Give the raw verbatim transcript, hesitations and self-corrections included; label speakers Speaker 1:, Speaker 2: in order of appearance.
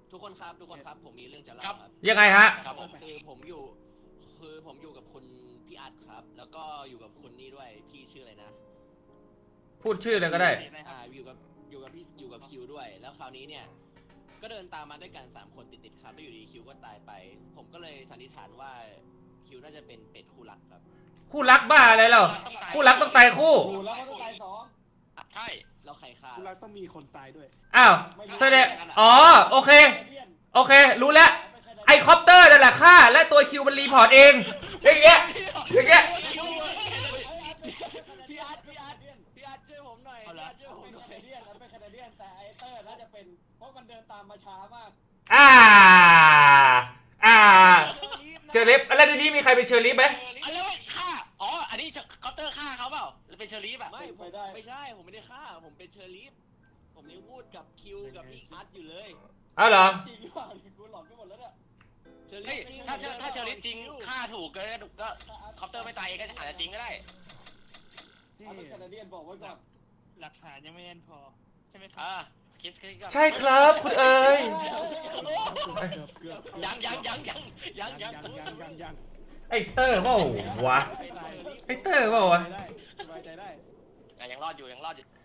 Speaker 1: ทุกคนครับทุกคนครับผมมีเรื่องจะเล่า
Speaker 2: ครับ
Speaker 1: ครับ
Speaker 3: ยังไงฮะ
Speaker 2: ครับผม
Speaker 1: คือผมอยู่คือผมอยู่กับคุณพี่อัดครับ แล้วก็อยู่กับคุณนี่ด้วยพี่ชื่ออะไรนะ
Speaker 3: พูดชื่อเลยก็ได้
Speaker 1: อ่าอยู่กับอยู่กับพี่อยู่กับคิวด้วย แล้วคราวนี้เนี่ยก็เดินตามมาด้วยกันสามคนติดๆครับแล้วอยู่ดีคิวก็ตายไป ผมก็เลยสันนิษฐานว่าคิวน่าจะเป็นเป็ดคู่รักครับ
Speaker 3: คู่รักบ้าอะไรเราคู่รักต้องตายคู่
Speaker 4: ดูแล้วก็ต้องตายสอง
Speaker 2: ใช่
Speaker 1: แล้วใครฆ่า
Speaker 4: คุณรักต้องมีคนตายด้วย
Speaker 3: อ้าวแสดงอ๋อโอเค โอเค รู้แล้วไอคอปเตอร์นั่นแหละฆ่าและตัวคิวมันรีพอร์ตเองอย่างเงี้ยอย่างเงี้ย
Speaker 1: พี่อัดพี่อัดพี่อัดช่วยผมหน่อยพี่อัดช่วยผม
Speaker 4: เป็น
Speaker 1: หน่อ
Speaker 4: แค
Speaker 1: ย
Speaker 4: นาเดียนนั้นเป็นแคนาเดียนแต่ไอเตอร์น่าจะเป็นเพราะมันเดินตามมาช้ามาก
Speaker 3: อ่าอ่าเชอร์ลิฟอะไรในนี้มีใครเป็นเชอร์ลิฟไหม
Speaker 2: อะไรวะฆ่าอ๋ออันนี้คอปเตอร์ฆ่าเขาเปล่าหรือเป็นเชอรี่แบบ
Speaker 1: ไม่ผมไม่ใช่ผมไม่ได้ฆ่าผมเป็นเชอร์ลีฟผมยังพูดกับคิวกับพี่อัดอยู่เลย
Speaker 3: อ้าวเหรอ
Speaker 4: จริงหรือเปล่ากูหลอนไปหมดแล้วเนี่ย
Speaker 1: เชอร์ลี
Speaker 2: เฮ้ย
Speaker 1: ฟจริง
Speaker 2: ถ้าเชอถ้าเชอรี่จริงฆ่าถูกก็ก็คอปเตอร์ไม่ตายเองก็อาจจะจริงก็ได้
Speaker 4: เอาเป็นแคนาเดียนบอกไว้ก่อน
Speaker 5: หลักฐานยังไม่แน่นพอใช่ไหมครับ
Speaker 2: อ่าคิดคิด
Speaker 3: ใช่ครับคุณเอ๋ย
Speaker 4: เกือบ
Speaker 2: ยังยังยังยังยัง
Speaker 4: ยั
Speaker 2: ยัง ง
Speaker 4: ยังยังยัง
Speaker 3: ไอเตอร์เปล่าวะ
Speaker 4: ไม่ตาย
Speaker 3: ไอเตอร์เปล่าวะ
Speaker 4: ได้สบายใจได้
Speaker 2: ยังรอดอยู่ยังรอดอยู่